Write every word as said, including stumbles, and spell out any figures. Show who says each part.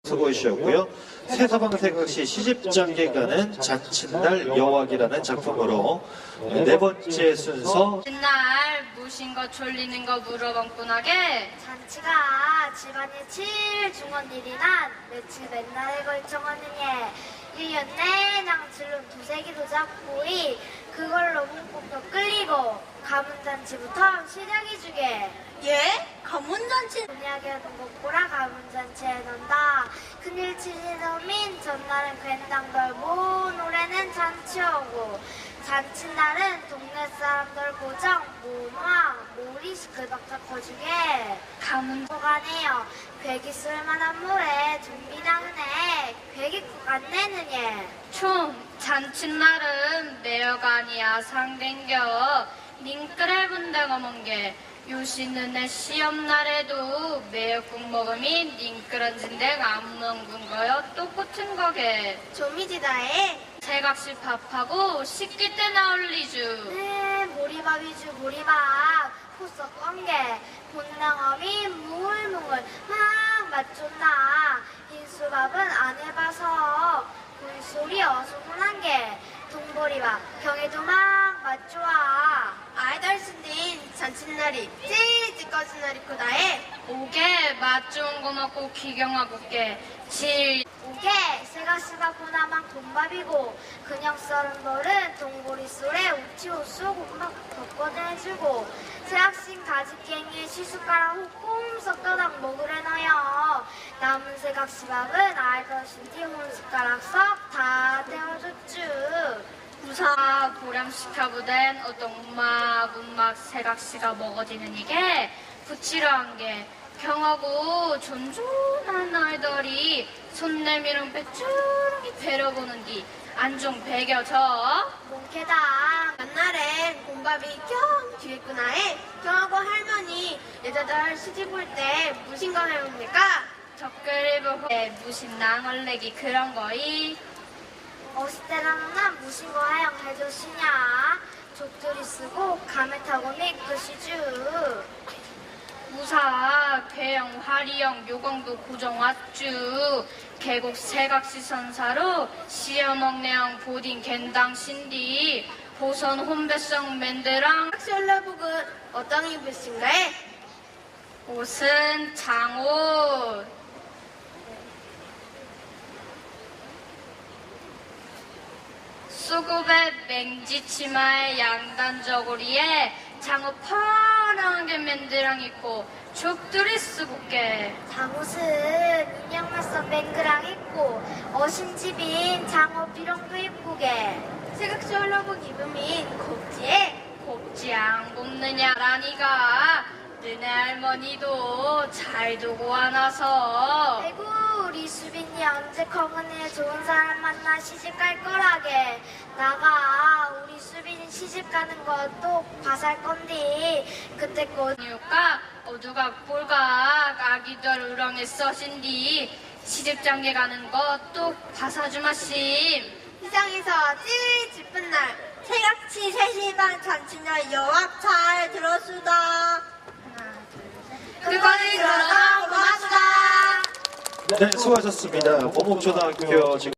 Speaker 1: 수고해 주셨고요. 세서방세각시 시집장계 가는 잔칫날 여왕이라는 작품으로 네 번째 순서
Speaker 2: 맨날 무신 거 졸리는 거 물어봤구나게.
Speaker 3: 잔치가 집안이 제일 중요한 일이란 며칠 맨날에 걸쳐가는 예. 일 년 내내 질론 두세기도 잡고이 그걸로 문법도 끌리고 가문잔치부터 시작이주게.
Speaker 4: 예? 가문잔치?
Speaker 3: 분야게 동국보라 가문잔치에 논다. 큰일 치시는 민 전날은 괜당 돌고 노래는 잔치오고 잔칫날은 동네 사람들 고정 모노아 모리 시끌벅적 거주게 가문보가네요. 괴기 쓸만한 물에 준비당은에 괴기국 안 내는 예.
Speaker 2: 총 잔칫날은 매여가 아니야 상댕겨 닝끌을 분다고 먼게 요시는 내 시험날에도 매역국 먹음이 닝끌어진데 안 먹은 거요 똑같은 거게.
Speaker 3: 조미지다에
Speaker 2: 세각시 밥하고 식기 때 나올리주.
Speaker 3: 네 모리밥이주 모리밥 후석 껌게 본당어미 뭉울뭉울 막 맛존나. 인수밥은 안 해봐서 물소리 어수선한 게 동보리밥 경에도 막 맛좋아.
Speaker 4: 아이달신딘 잔칫날이 제일 찌꺼진 날이 크다에
Speaker 2: 오게 맛 좋은 거 먹고 기경하고 게 질.
Speaker 3: 오게 세가시가 보나만 곰밥이고 그냥 썰은 돌은 동보리 쏠에 우치호수 곰밥 덮어내주고 새학신 가지깽이에 시숟가락 호꼼 섞어당 먹으래 넣어요. 남은 새각시밥은 알더신디 혼숟가락 썩 다 데워줬쥬.
Speaker 2: 부사 보람시카부된 어떤 음악 음악 세각시가 먹어지는 이게 부치러한 게 경하고 존존한 아이들이 손 내밀은 빼쭈르기 배려보는 기 안종 배겨져.
Speaker 3: 몽케당
Speaker 4: 옛날엔 곰밥이 경 뒤했구나에 경하고 할머니 여자들 시집 올 때 무신 거 해봅니까?
Speaker 2: 적그리고 무신 낭얼레기 그런 거이.
Speaker 3: 어시때랑은 무신 거 하영 해줬시냐. 족들이 쓰고 감에 타고 미끄시쥬.
Speaker 2: 무사 괴영 화리영 요강도 고정 왔쥬. 계곡 세각시 선사로 시어먹내영 보딘 겐당 신디 보선 혼배성 맨드랑
Speaker 4: 학시올라복은 어떤 입으신가에?
Speaker 2: 옷은 장옷. 수급에 맹지 치마에 양단 저고리에 장어 파란 게 맨드랑 있고 족들이 쓰고게.
Speaker 3: 장옷은 인형말선 맹그랑 입고 어신집인 장어 비룡도 입고게.
Speaker 4: 세각시올라복 입으면 곱지에
Speaker 2: 곱지 안 곱느냐라니가 너네 할머니도 잘 두고 와놔서.
Speaker 3: 아이고 우리 수빈이 언제 커그네 좋은 사람 만나 시집 갈 거라게. 나가 우리 수빈이 시집 가는 것도 봐살 건디 그때 곧
Speaker 2: 이유가 어두각 볼각 아기들 우렁에 써신디 시집장계 가는 것도 봐사주마심.
Speaker 4: 세상에서 제일 기쁜 날 세각시 세시반 잔칫날 여왕 잘 들었수다. 그거를 들어서 고맙수다.
Speaker 1: 네, 수고하셨습니다. 모목초등학교 지금